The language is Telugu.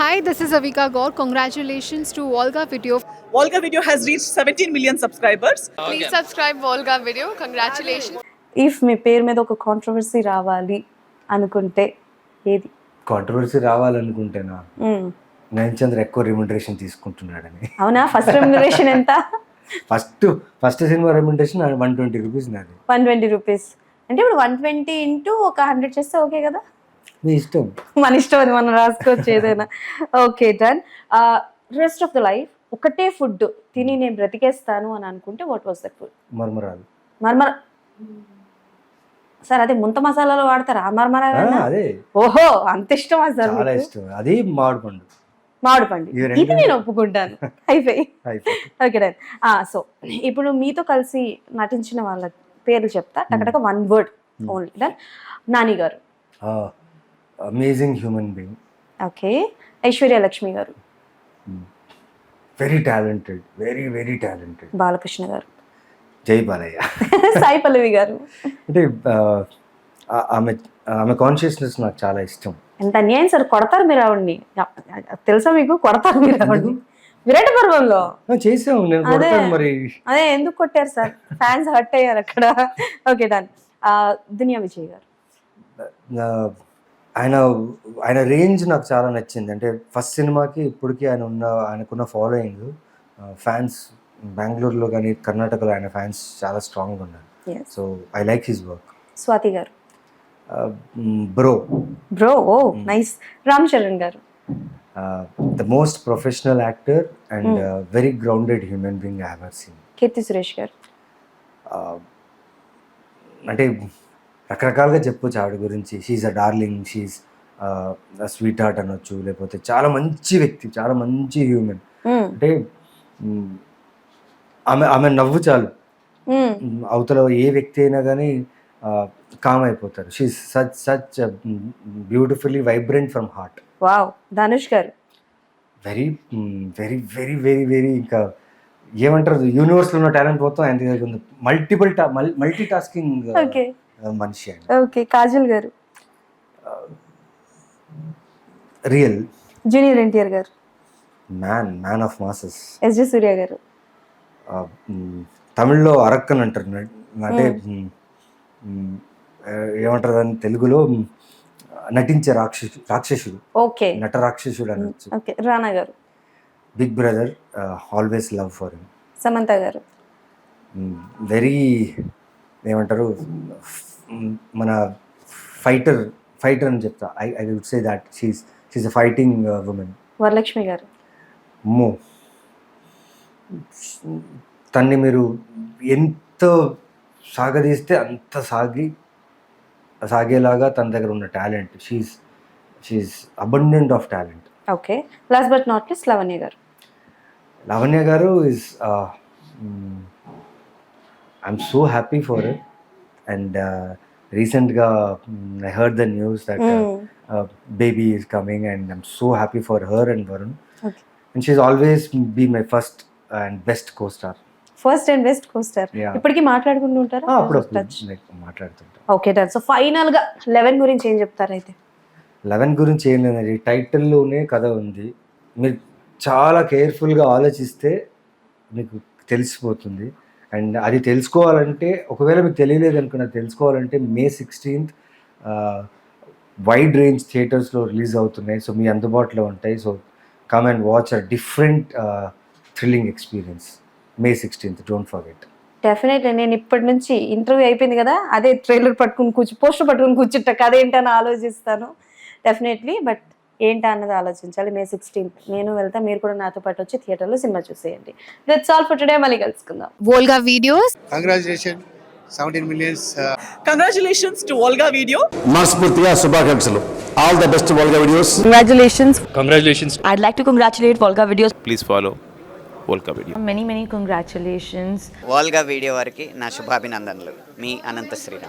Hi, this is Avika Gaur. Congratulations to Volga Video. Volga Video has reached 17 million subscribers. Please subscribe Volga Video. Congratulations. If మీ పేరు మీద ఒక కాంట్రవర్సీ రావాలి అనుకుంటే ఏది? కాంట్రవర్సీ రావాలనుకుంటేనా నయన్ చంద్ర ఎక్కువ రెమ్యునరేషన్ తీసుకుంటున్నాడని. అవునా? ఫస్ట్ రెమ్యునరేషన్ ఎంత? ఫస్ట్ సినిమా రెమ్యునరేషన్ 120 రూపీస్ నాది. 120 రూపీస్ అంటే ఇప్పుడు 120 ఇంటూ ఒక 100 చేస్తే ఓకే కదా? మీ ఇష్టం, మన ఇష్టం, అది మనం రాసుకోవచ్చు ఏదైనా. Okay, done. Rest of the life ఒకటే ఫుడ్ తిని నేను బ్రతికేస్తాను అని అనుకుంటే వాట్ వాస్ దట్ ఫుడ్? మర్మరాలు. మర్మర సార్, అదే ముంత మసాలాలో వాడతారా ఆ మర్మరాలు? అదే. ఓహో, అంత ఇష్టమా సార్? చాలా ఇష్టం. అది మామిడి పండు. మామిడి పండు ఇది నేను ఒప్పుకుంటాను. అయిపోయి ఓకే, డన్. సో ఇప్పుడు మీతో కలిసి నటించిన వాళ్ళ పేర్లు చెప్తా, టకటక 1 word ఓన్లీ. డన్. నాని గారు. Amazing human being. Okay. Aishwarya Lakshmi గారు. Very talented, very very talented. Balakrishna గారు. జై బాలయ్య. సాయి పల్లవి గారు. అంటే ఆమె కాన్షియస్నెస్ నాకు చాలా ఇష్టం. ఎంత అన్యాయం సార్, కొడతారు మీరు ఆవిడ్ని, తెలుసా మీకు? కొడతారు మీరు ఆవిడ్ని విరాట పర్వంలో చేసాం. నేను కొడతాను మరి. అదే ఎందుకు కొట్టారు సార్? ఫ్యాన్స్ హర్ట్ అయ్యారు అక్కడ. Okay, done. దునియా విజయ్ గారు. ఆయన రేంజ్ నాకు చాలా నచ్చింది. అంటే ఫస్ట్ సినిమాకి ఇప్పటికీ ఆయనకున్న ఫాలోయింగ్, ఫ్యాన్స్ బెంగళూరులో కానీ కర్ణాటకలో ఆయన ఫ్యాన్స్ చాలా స్ట్రాంగ్గా ఉన్నారు. So I like his work. Swathi గారు. Bro. Oh nice. Ram Charan గారు. The most professional actor and very grounded human being I have seen. Keerthy Suresh గారు. అంటే రకరకాలుగా చెప్పొచ్చు ఆవిడ గురించి. She's a darling, she's sweetheart అనొచ్చు, లేకపోతే చాలా మంచి వ్యక్తి, చాలా మంచి హ్యూమన్. అంటే ఆమె నవ్వు చాలు, అవతల ఏ వ్యక్తి అయినా కానీ కామ్ అయిపోతారు. She's such beautifully vibrant from heart. Wow. Dhanush గారు. Very very very very very ఇంకా ఏమంటారు, యూనివర్స్లో ఉన్న టాలెంట్ మొత్తం ఆయన దగ్గర ఉంది. మల్టీ టాస్కింగ్ మనిషి ఆయన. ఓకే. కాజల్ గారు. రియల్. జూనియర్ ఎన్టీఆర్ గారు. Man of masses. SJ Suryah గారు. తమిళ్లో అరక్కన్ అంటారు, అంటే ఏమంటారు అని తెలుగులో నటించే రాక్షసుడు. ఓకే. నట రాక్షసుడు అనొచ్చు. ఓకే. రానా గారు. Big brother, always love for him. Samantha గారు. వెరీ ఏమంటారు, మన ఫైటర్ అని చెప్తా. I would say that she's a fighting women. Varalakshmi గారు. అమ్మో, తన్ని మీరు ఎంత సాగదీస్తే అంత సాగేలాగా తన దగ్గర ఉన్న talent. She's abundant of talent. Okay. Last but not least Lavanya గారు. లావణ్య గారు is I'm so happy for it. And రీసెంట్గా I heard the news that baby is coming and I'm so happy for her and Varun. Okay. And she's always be my first and best co-star. First and best costar. ఇప్పటికీ మాట్లాడుకుంటూ ఉంటారా? మాట్లాడుతుంటా. Okay, done. సో ఫైనల్ గా 11 గురించి ఏం చెప్తారు? అయితే 11 గురించి ఏం లేదండి, టైటిల్లోనే కథ ఉంది. మీరు చాలా కేర్ఫుల్గా ఆలోచిస్తే మీకు తెలిసిపోతుంది. అండ్ అది తెలుసుకోవాలంటే, ఒకవేళ మీకు తెలియలేదు అనుకున్నా, తెలుసుకోవాలంటే May 16th వైడ్ రేంజ్ థియేటర్స్లో రిలీజ్ అవుతున్నాయి. సో మీ అందుబాటులో ఉంటాయి. So come and watch a different thrilling experience. May 16th, don't forget. Definitely. నేను ఇప్పటి నుంచి ఇంటర్వ్యూ అయిపోయింది కదా, అదే ట్రైలర్ పట్టుకుని పోస్టర్ పట్టుకుని కూర్చుంటా, కథ ఏంటని ఆలోచిస్తాను డెఫినెట్లీ. బట్ ఏంటా అన్నది ఆలోచించాలి. May 16th నేను వెళ్తా, మీరు కూడా నాతో పాటు వచ్చి థియేటర్లో సినిమా చూసేయండి. That's all for today. మళ్ళీ కలుసుకుందాం. Volga Videos. Congratulations, 17 millions. Congratulations to Volga Video. మనస్ఫూర్తిగా శుభాకాంక్షలు. All the best Volga Videos. Congratulations. I'd like to congratulate Volga Videos. Please follow Volga Video. Many congratulations. Volga video వారికి నా శుభాభినందనలు. మీ అనంత శ్రీరామ్.